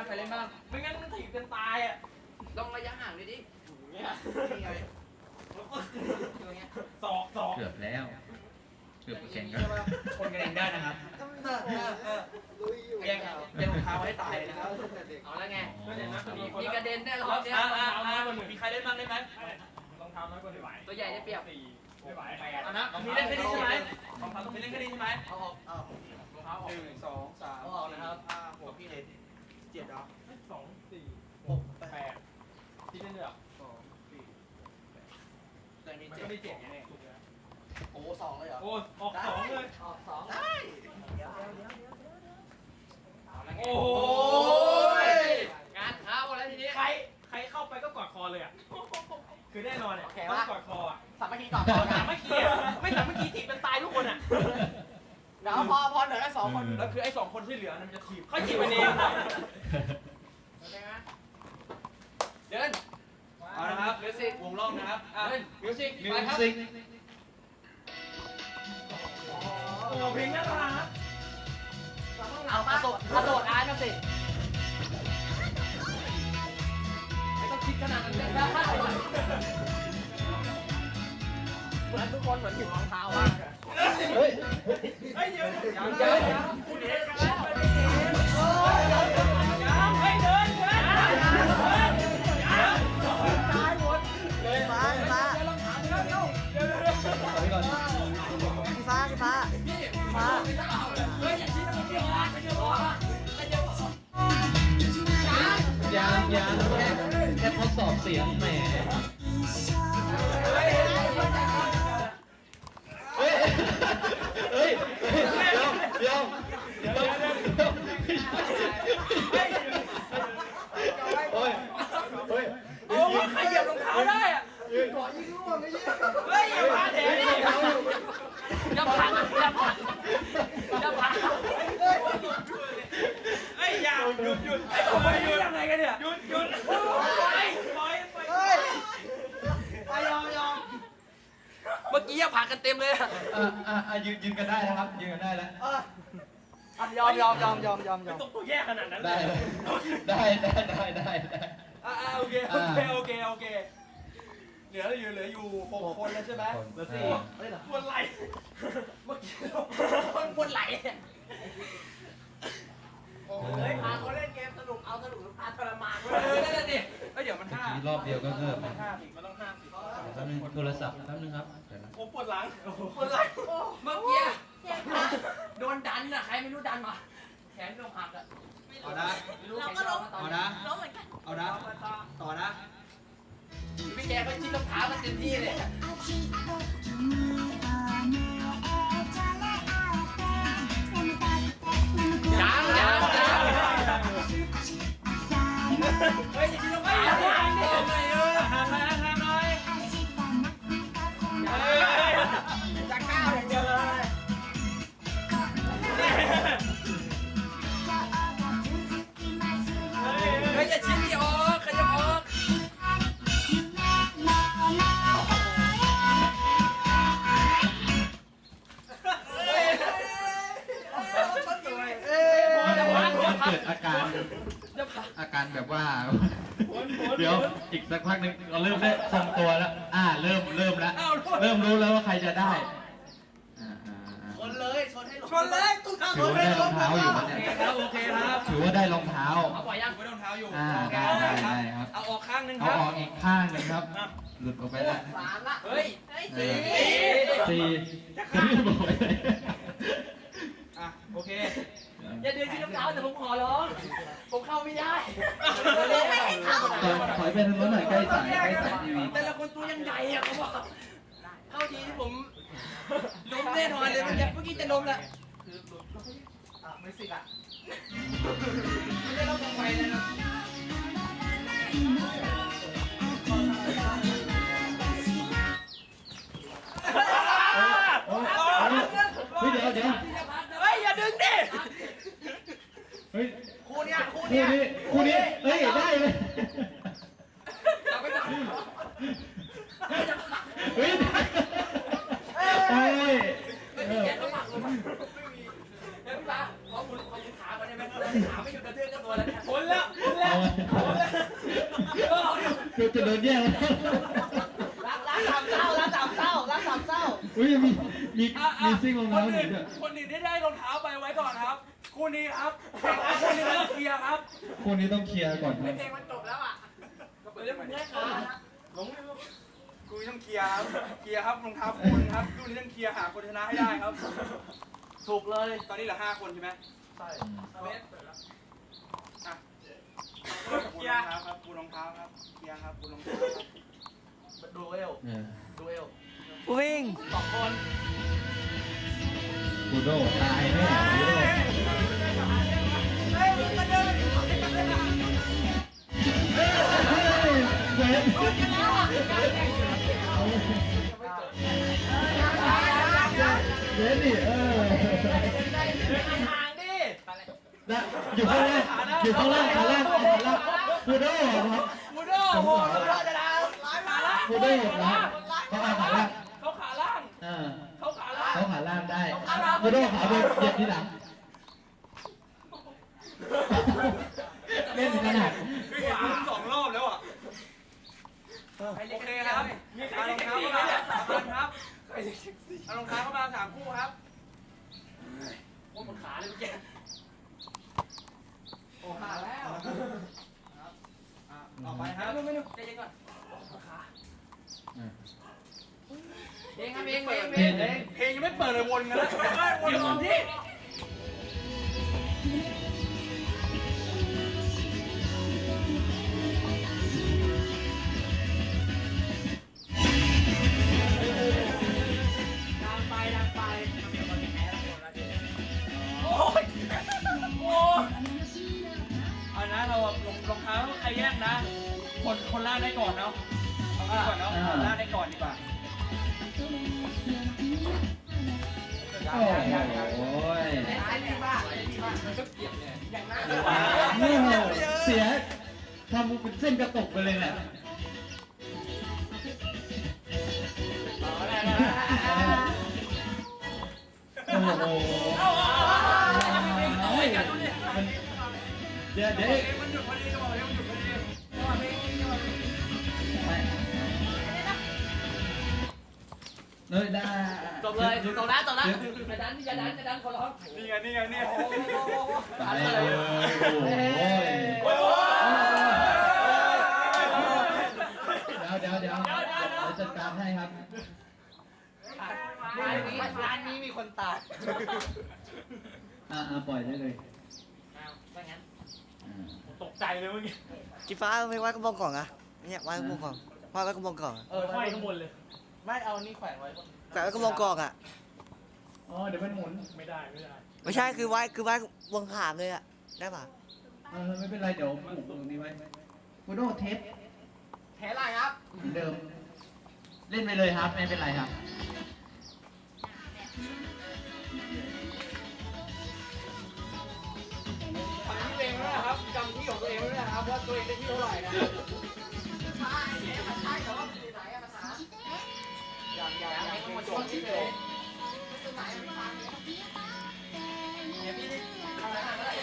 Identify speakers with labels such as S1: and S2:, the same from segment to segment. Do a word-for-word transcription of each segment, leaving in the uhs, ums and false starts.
S1: ใครเล่นบ้างไม่งั้นมันถีบกันตายอ่ะต้องระยะห่างเลยดินี่ไงสอกสอก
S2: เกือบแล้วเกือบแข่งกัน
S1: คนกันเองได้นะครับแย่งแย่งรองเท้าให้ตายนะครับเอาแล้วไงมีกระเด็นแน่รอบนี้มีใครเล่นบ้างได้ไหมรองเท้าน้อยกว่าไม่ไหวตัวใหญ่ได้เปรียบไม่ไหวแปดนะมีเล่นแค่นี้ใช่ไหมรองเท้าต้องมีเล่นแค่นี้ใช่ไหมเอาออกเอารองเท้าออกหนึ่งสองสามเอาออกนะครับห้าหกเจ็ดเจ็ดเหรอสองสี่หกแปดที่เล่นเดือดสองสี่แต่มีเจ็ดไม่เจ็ดไงเนี่ยโอ้สองเลยเหรอโอ้ออกสองเลยออกสองได้โอ้ยงานเข้าแล้วทีนี้ใครใครเข้าไปก็กอดคอเลยอ่ะคือแน่นอนเนี่ยต้องกอดคออ่ะสามัคคีกอดคอสามัคคีไม่สามัคคีถีบเป็นตายทุกคนอ่ะเดี๋ยวพอพอเหลือแค่สองคนแล้วคือไอ้สองคนที่เหลือมันจะถีบเขาถีบมันเองเดินเอาละครับมิวสิกวงรอบนะครับเดินมิวสิกไปครับโอ้เพลงน่ารักเอากระโดดกระโดดอาร์ตมาสิไม่ต้องคิดขนาดนั้นเลยนะเหมือนทุกคนเหมือนถือรองเท้ามากเฮ้ยเฮ้ยเดี๋ยวเดี๋ยวเดี๋ยวคุณเห็นกันแล้วเฮ้ยเดินเดินตายหมดเลยฟ้าฟ้าเดี๋ยวลองถามเดี๋ยวเดี๋ยวเดี๋ยวเดี๋ยวพี่ฟ้าพี่ฟ้าฟ้าเฮ้ยอย่าชี้นะพี่ฟ้าไม่ใช่ฟ้าไม่ใช่ฟ้า
S2: ยังยังแค่แค่ทดสอบเสียงแหมเฮ้ยเฮ้ยเฮ้ยเดี๋ยวเดี๋ยวเดี๋ยวโอ้ยโอ้ย
S1: โอ้ใครเหยียบรองเท้าได้อ่ะขอยิงลูกไม่ยิงเฮ้ยอย่าพาแถวนี่อย่าพังอย่าพังอย่าพังเฮ้ยอย่าหยุดหยุดไอ้คนนี้หยุดยังไงกันเนี่ยหยุดหยุดปล่อยปล่อยไปเฮ้ยไปยอมยอมเมื่อกี้ยังผ่านกันเต็มเลยอ่ะ
S2: อ่าอ่ายืนยืนกันได้นะครับยืนกันได้แล้ว
S1: ยอมยอมยอมยอมยอมยอมไม่ต้องตัวแยกขนาดนั้น
S2: ได้ได้ได้ได้ได้ได้
S1: อ่าโอเคโอเคโอเคโอเคเหลืออยู่เหลืออยู่หกคนแล้วใช่ไหมเหลือสี่ปวดไหล่เมื่อกี้คนปวดไหล่เฮ้ยพาเขาเล่นเกมสนุกเอาสนุกพาทรมานเลยนั่นแหละดิเฮ้ยเดี๋ยวมันห้าร
S2: อบเดียวก็เกิด
S1: มันห้าสิมันต้องห้าสิ
S2: แป๊บนึงโทรศัพท์แป๊บนึงครับ
S1: ผมปวดหลังปวดไหล่เมื่อกี้โดนดันอะใครไม่รู้ดันมาแขนโดนหักอะ
S3: เอานะ
S1: เราก็ล้ม
S3: เอานะ
S1: ล้มเหมือนกัน
S3: เอานะต่อนะ
S1: พี่แกก็ชิ้นรองเท้ามันเต็มที่เลยยังยังยังเฮ้ยอย่าชิ้นรองเท้าดิเออทำหน่อยทำหน่อยจะก้าวอย่างเดียวเลยเฮ้ยอย่าชิ้นดิออกขยับออก
S2: เกิดอาการอาการแบบว่าเดี๋ยวอีกสักพักนึงเราเริ่มได้ทรงตัวแล้วอ่าเริ่มเริ่มแล้วเริ่มรู้แล้วว่าใครจะได้
S1: ชนเลยชนให้ชน
S3: เลยตุ้งเท้า
S2: ถือว่าได้รองเท้าอยู่นะเนี่ย
S1: ครับโอเคครับ
S2: ถือว่าได้รองเท้า
S1: เอาปล่อยยังไม่ได้รองเท้าอยู่
S2: อ่าได้ได้ได้ครับ
S1: เอาออกข้างนึงค
S2: เอา
S1: รับ
S2: ออกอีกข้างนึงครับหลุดออกไปแล้ว
S1: สามละเฮ้ยสี่
S2: สี่สี่บอกไปเลย
S1: อ่ะโอเคอย่าเดินที่น้ำเท้าแต่ผมขอร้องผมเข้าไม่ได้ไม่ให้เข้า
S2: ถอยไปทางโน้นหน่อยใกล้สายใกล้สายทีวี
S1: แต่ละคนตัวยังใหญ่อะเขาบอกเข้าทีที่ผมล้มแน่นอนเลยเมื่อกี้เมื่อกี้จะล้มแล้วคืออ่ะไม่สิอ่ะไม่ได้ล้มลงไปเลยนะ
S2: เฮ้ยเดี๋ยวเดี๋ยว
S1: เฮ้ยอย่าดึงดิ
S2: เฮ้ย
S1: คู่เนี้ยคู่
S2: เนี้ยคู่นี้เฮ้ยได้เลยเฮ้ยโอ้ย
S1: เออเขาหมักเลยเฮ้ยพี่ป้าขอคุณขอคุณขาก่อนได้ไหมขาไม่หยุดกระเทือนกับตัวแล้วเนี่ยคนแล้วหมุนแล้ว
S2: คือจะโดนแย่งแล้ว
S3: รักรักสามเศร้ารักสามเศร้ารักสามเศร้า
S2: อุ้ยมีมี
S1: อ่ะอ่ะ
S2: มีซิ่งรอง
S1: ค
S2: เท้าน หนู
S1: อื่น
S2: ด้วย
S1: คนอื่นที่ได้รองเท้าไปไว้ก่อนครับคู่นี้ครับคู่นี้ต้องเคลียร์ครับ
S2: คนนี้ต้องเคลียร์ก่อนนะ
S1: เพลงมันจบแล้วอ่ะก็เปิดเรื่องมึงได้ขาหลงเลย
S4: กูต้องเคลียร์ครับเคลียร์ครับรองเท้าคุณครับรุ่นนี้ต้องเคลียร์หาคนชนะให้ได้ครับ
S1: ถูกเลย
S4: ตอนนี้เหลือห้าคนใช่ไหม
S1: ใช่เวสเปิดแล้ว
S4: อ่ะปูรองเท้าครับปูรองเท้าครับเคลียร์ครับปูรองเท้าครับ
S1: ดูเอล
S2: เออ
S1: ดูเอล
S3: วิ่ง
S1: สองคน
S2: บูโดตายแน่บูโด
S1: เฮ้ยมึงมาเดิน
S2: เฮ้ยเวท เวทดิเออ
S1: ห่างดิ
S2: นะอยู่ข้างล่างอยู่ข้างล่างขาล่างขาล่างบูโดครับ
S1: มูโดโหมูโดจะดาวขาล่าง
S2: บูโดนะเขาเอาขาล่าง
S1: เขาขาล่าง
S2: อ่า
S1: เขาขาล่าง
S2: เขาขาล่างได้บูโดขาบนเหยียบที่หลังเล่นขนาด
S4: คือเห็นคุณสองรอบแล้วอ่ะ
S1: โอ
S4: โอ
S1: เค
S4: เค
S1: ค
S4: ค
S1: รั
S4: รั
S1: บบ มีใคร
S4: เอาร
S1: เล็
S4: อง
S1: ก
S4: เท้า
S1: สี
S4: เข้า
S1: ไหม
S4: มาเอารองเท้าเข้ามาสามคู่ครับ
S1: โอ้หมดขาเลยเมื่อกี้โอ้ขาแล้ว
S4: อ่ะต่อไปครับ
S1: ไม่ไม่ไม่ใจเย็นก่อนขาเองครับเองเองเอง
S4: เพลงยังไม่เปิดเลยวนกันแล้ว
S1: วนก่อนที่ดังไปดังไปโอ้ยโอ้ย
S4: เอานะเราลงรองเท้าใครแย่งนะ คนคนล่างได้ก่อนเนาะเอางี้ก่อนเนาะคนล่างได้ก่อนดีกว่า
S2: โอ้ย
S1: ไอ้นี่บ้าไอ้นี่บ้าก็เกลียดเนี่ยอย่างนั้น
S2: โอ้โหเสียทำเป็นเส้นกระตกไปเลยเนี่ย
S1: อ๋อได้ได้
S2: โอ้โห
S1: เอาเอาเอาเอาไปกันดูดิ
S2: มันเดี๋ยวเดี๋ยว
S4: มันหยุดพอดีก็บอกเลยมันหยุดพอดี
S2: ไปเลยได้
S1: จบเลยจบแล้วจบแล้วอย่าดันอย่าดันอย่าดันคนร้อง
S4: นี่ไงนี่ไงนี่ไง
S2: ตายเลยโอ้โหเดี๋ยวเดี๋ยวเดี๋ยวเดี๋ยวจัดการให้ครับ
S1: ร้านนี้ร้านนี้มีคนตาย
S2: อ่าปล่อยได้เลย
S1: ว่างั้น
S4: ตกใจเลยเมื่อกี้
S3: กีฟ้าไม่ไว้กระบองกล่องอะเนี่ยไว้กระบองกล่องไว้ไว้กระบองกล่องอะ
S1: เออห้อยข้างบนเลยไม่เอานี่แขวนไว้
S3: แขวนไว้กระบองกล่องอะ
S2: อ๋อเดี๋ยวมันหมุน
S4: ไม่ได้ไม่ได้
S3: ไม่ใช่คือไว้คือไว้วงขามเลยอะได้ป่ะ
S2: เออไม่เป็นไรเดี๋ยวปลูกตรงนี้ไว้กูโดเทส
S1: แถไรครับ
S2: เหมือนเดิม เล่นไปเลยครับไม่เป็นไรครับ
S4: ทำที่ตัวเองไม่ได้ครับจำที่ของตัวเองไม่ได้ครับว่าตัวเองได้ที่เท่าไหร่นะ
S1: ใช่มันใช่แต่ว่าอยู่ไหนอะภาษา
S4: อย่างอย่างอย่าง
S1: ให้
S4: เพล
S1: มัน
S4: ง
S1: จ
S4: จ
S1: บบ เฉ
S4: เฉ
S1: ย
S4: ย
S1: ๆไม่ไหนไม่ฟังเนี่ยพี่นี่ทำอะไรมาก็ได้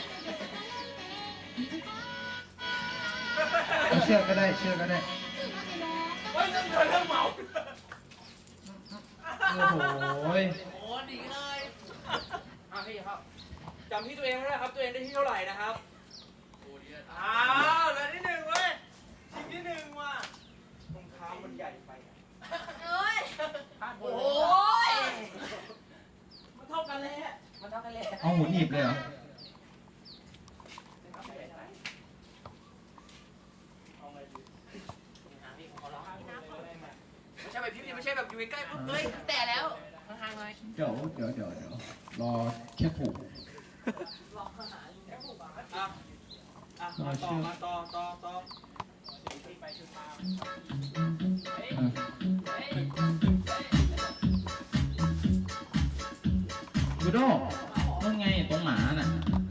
S2: เชื่อก็ได้เชื่อก็ได้
S1: เฮ้ยเรื่องเงินเรื่องเมา
S2: โอ้โห
S1: โอ้ดีเลยอ่ะพี่ครับ
S4: จำที่ตัวเองไม่ได้ครับตัวเองได้ที่เท่าไหร่นะครับ
S1: โอ้ดี
S4: อ้าวเหลือที่หนึ่งเว้ยทีมที่หนึ่งว่ะรองเท้ามันใหญ่ไปอะ
S1: โอ้ยมันเท่ากันเลยมันเท่ากันเลย
S2: เอาหมุนหนีบเลยเหรอ
S4: เอาไงดี
S1: ไม่ใช่แบบพี่ไม่ใช่แบบอยู่ใกล้ๆปุ๊บเฮ้ยแต่แล้วห่างๆเลย
S2: เดี๋ยวเดี๋ยวเดี๋ยวเดี๋ยวรอแค่ผูก
S4: อ่ะอ่ะมาต่อมาต่อต่อต่อ
S2: กูโดนั่นไงตรงหมาน่ะ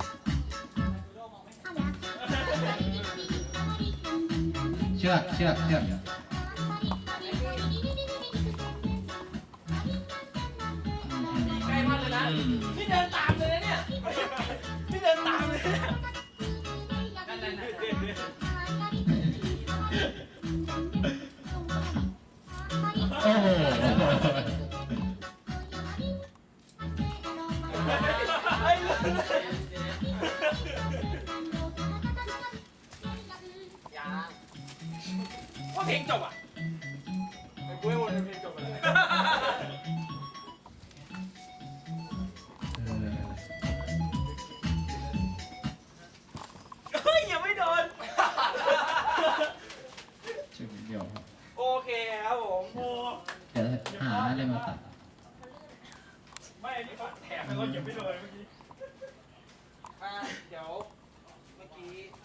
S2: เชือกเชือกเชือก
S1: ใกล้มากเลยนะพี่เดินตามเลยนะเนี่ยพี่เดินตามเลยนั่นนั่นนั่น
S4: ว่าเพลงจบอ่ะกูให้วนเพลงจบไปเลย เฮ้ยยังไม่โดน
S2: จุดเดียวครับ
S4: โอเคครับผมโอ้
S2: เดี๋ยวหาอะไรมาตัด
S4: ไม่อันนี้เขาแถมแล้วก็ยังไม่โดนเมื่อกี้อ่าเดี๋ยวเมื่อกี้